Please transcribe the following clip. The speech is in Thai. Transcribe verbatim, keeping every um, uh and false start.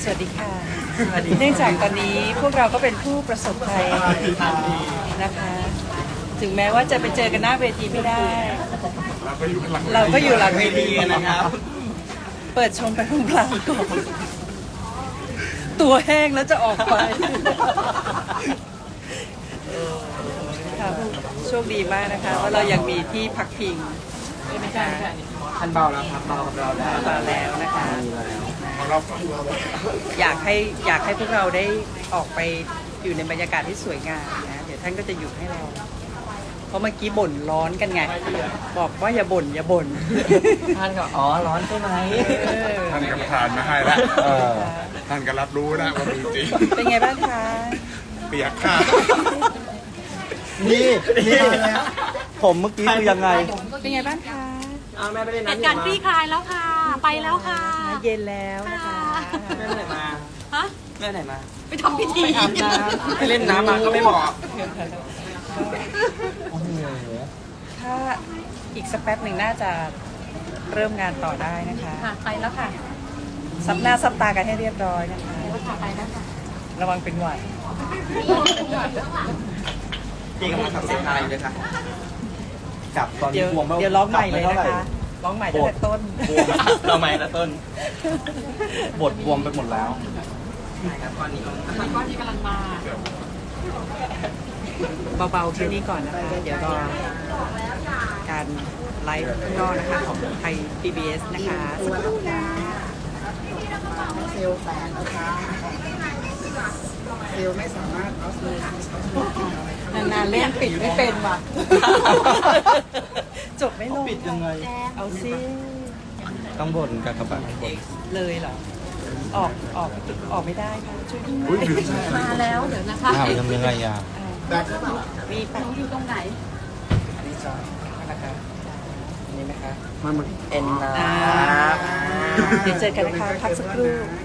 วัสดีค่ะ เนื่องจากตอนนี้พวกเราก็เป็นผู้ประสบภัยนะคะ ถึงแม้ว่าจะไปเจอกันหน้าเวทีไม่ได้ เราก็อยู่หลังเวทีนะครับ เปิดชมไปพลางๆก่อน ตัวแห้งแล้วจะออกไปค่ะโชคดีมากนะคะว่าเรายังมีที่พักพิงนะคะท่านเบาแล้วครับเบากับเราแล้วมาแล้วนะคะเราอยากให้อยากให้พวกเราได้ออกไปอยู่ในบรรยากาศที่สวยงามนะเดี๋ยวท่านก็จะหยุดให้เรา เพราะเมื่อกี้บ่นร้อนกันไง บอกว่าอย่าบ่นอย่าบ่นท่านก็อ๋อร้อนใช่ไหมเออท่านก็ประทานมาให้แล้วเออท่านก็รับรู้นะว่ามีจริงเป็นไงบ้างคะเปียกค่ะนี่นี่ผมเมื่อกี้คือยังไงเป็นไงบ้างคะเอาแม่ไปเล่นเหน้ำตุการณ์คลี่คลายแล้วค่ะ ไปแล้วค่ะเย็นแล้วนะคะแม่ไปไหนมาฮะแม่ไหนมาไปทำพิธีอาบน้ำไปเล่นน้ำมาก็ไม่บอกโอ้โหถ้าอีกสักแป๊บหนึ่งน่าจะเริ่มงานต่อได้นะคะค่ะ ไปแล้วค่ะซับหน้าซับตากันให้เรียบร้อยนะคะไปแล้วค่ะ ไปแล้วค่ะระวังเป็นหวัดพี่กำลังทำเส้นทางอยู่เลยค่ะกลับตอนเดี๋นี้ยวบวมไม่เดี๋ยวร้องใหม่เลยกบนะไท่าไหร่คะร้องใหม่ตั้งแต่ต้นบวมเราใหม่ละต้น บทบวมไปหมดแล้วใช่ครับตอนนี้ก้อนที่กำลังมาเบาๆแค่นี้ก่อนนะคะ เดี๋ยวรอการไลฟ์ข้างนอกนะคะของไทย พี บี เอส นะคะสักครู่นะเซลล์แตกนะคะเซลล์ไม่สามารถเอาเซลล์นานๆเล่นปิดไม่เป็นว่ะ จบไม่ลงปิดยังไงเอาซิต้องบ่นกับกระบะบ่นเลยเหรอ ออกออกออกไม่ได้ค่ะช่วยด้วยอุ้ยลืมใช่มาแล้ว เดี๋ยวนะคะอ้าวทำยังไงอ่ะแบกหรือเปล่ามีแป๊บอยู่ตรงไหนดีจ้านะคะนี่นะคะมันเหมือนเอ็นนะอ่าเดี๋ยวเจอกันนะคะพักสักครู่